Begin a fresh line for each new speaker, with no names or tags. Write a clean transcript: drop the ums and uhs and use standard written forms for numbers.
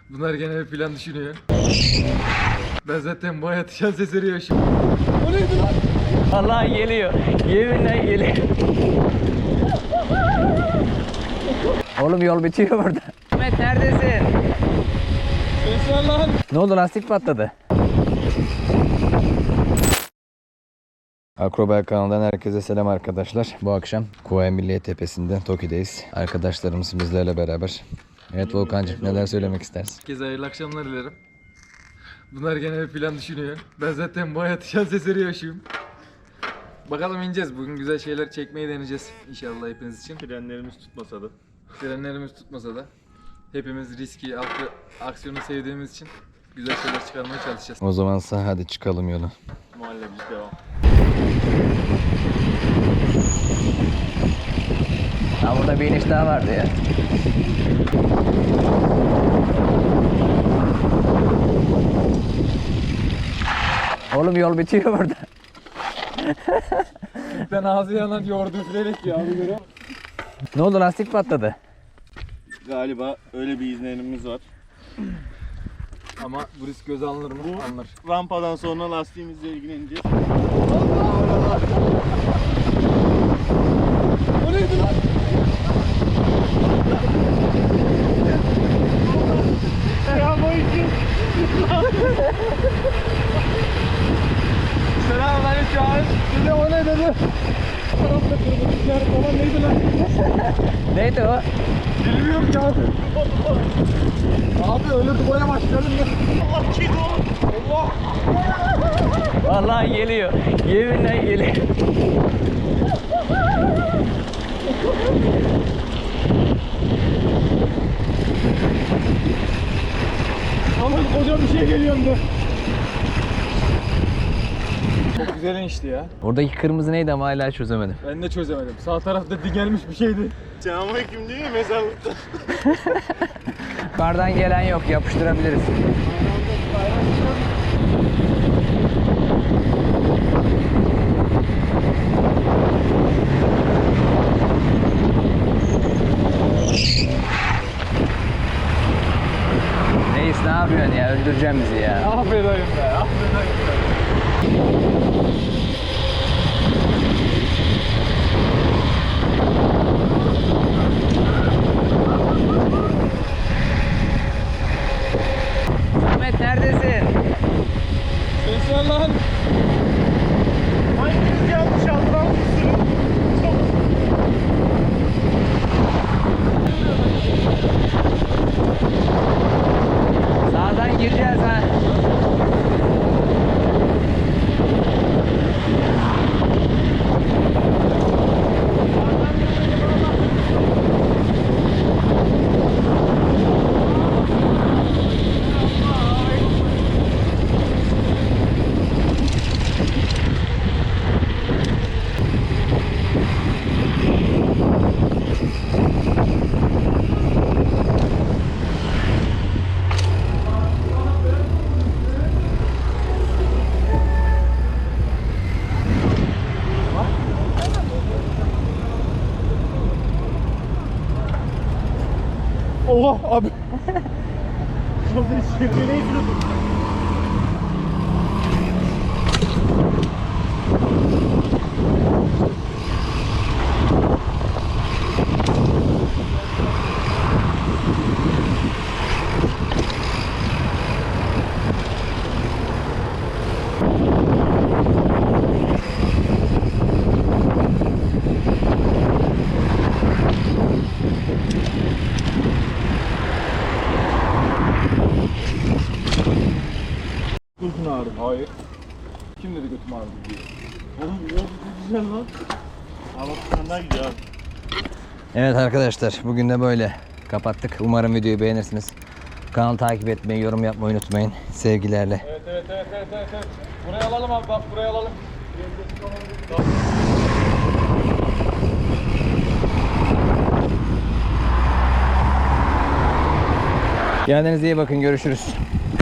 Bunlar gene bir plan düşünüyor. Ben zaten bu hayatı şans eseri yaşıyorum. O neydi lan?
Vallahi geliyor. Yeminle geliyor. Oğlum yol bitiyor burada. Ahmet neredesin?
Ses ver lan.
Ne oldu, lastik patladı. Akrobel kanalından herkese selam arkadaşlar. Bu akşam Kuvayi Milliye Tepesi'nde Toki'deyiz. Arkadaşlarımız bizlerle beraber. Evet Volkancığım, neler söylemek istersin?
Herkese hayırlı akşamlar dilerim. Bunlar gene bir plan düşünüyor. Ben zaten bu hayatı şans eseri yaşıyorum. Bakalım ineceğiz. Bugün güzel şeyler çekmeyi deneyeceğiz inşallah hepiniz için.
Frenlerimiz tutmasa da.
Frenlerimiz tutmasa da hepimiz riski, aksiyonu sevdiğimiz için güzel şeyler çıkarmaya çalışacağız.
O zamansa hadi çıkalım yola.
Muhallebimiz devam.
Ha, burada bir iniş daha vardı ya. Oğlum yol bitiyor burada.
Ben ağzı yanan yoğurdu üfleyerek ya abi görüyor musun?
Ne oldu, lastik patladı.
Galiba öyle bir izlenimimiz var.
Ama bu risk göze alınır mı? Alınır.
Rampadan sonra lastiğimizle ilgileneceğiz.
O neydi lan?
Selamünaleyküm.
Selamünaleyküm abi. Dedi o ne dedi? Tarafta kırmızılar falan neydi lan?
Neydi o?
Bilmiyorum ki abi. Abi öyle duvara başlayalım ya. Allah!
Vallahi geliyor. Yeminle geliyor.
Aman koca bir şey geliyor da. Çok güzel inişti ya.
Oradaki kırmızı neydi ama hala çözemedim.
Ben de çözemedim. Sağ tarafta digelmiş bir şeydi.
Selamünaleyküm değil mi mezarlıkta?
Yukarıdan gelen yok, yapıştırabiliriz. Reis ne yapıyorsun ya? Öldüreceğim bizi ya.
Affedeyim be, affedeyim be.
Ahmet neredesin?
Ses ver lan.
Hanginiz yanlış anlamışsınız?
Sağdan gireceğiz ha.
Allah abi. Şurada şirkeneyi sürüldüm.
Götün ağrıdı. Hayır. Kim dedi götüm ağrıdı diye.
Oğlum yol çok güzel lan. Abi bir daha gidiyor abi.
Evet arkadaşlar, bugün de böyle kapattık. Umarım videoyu beğenirsiniz. Kanalı takip etmeyi, yorum yapmayı unutmayın. Sevgilerle.
Evet. Buraya alalım abi, bak buraya alalım.
Kendinize iyi bakın, görüşürüz.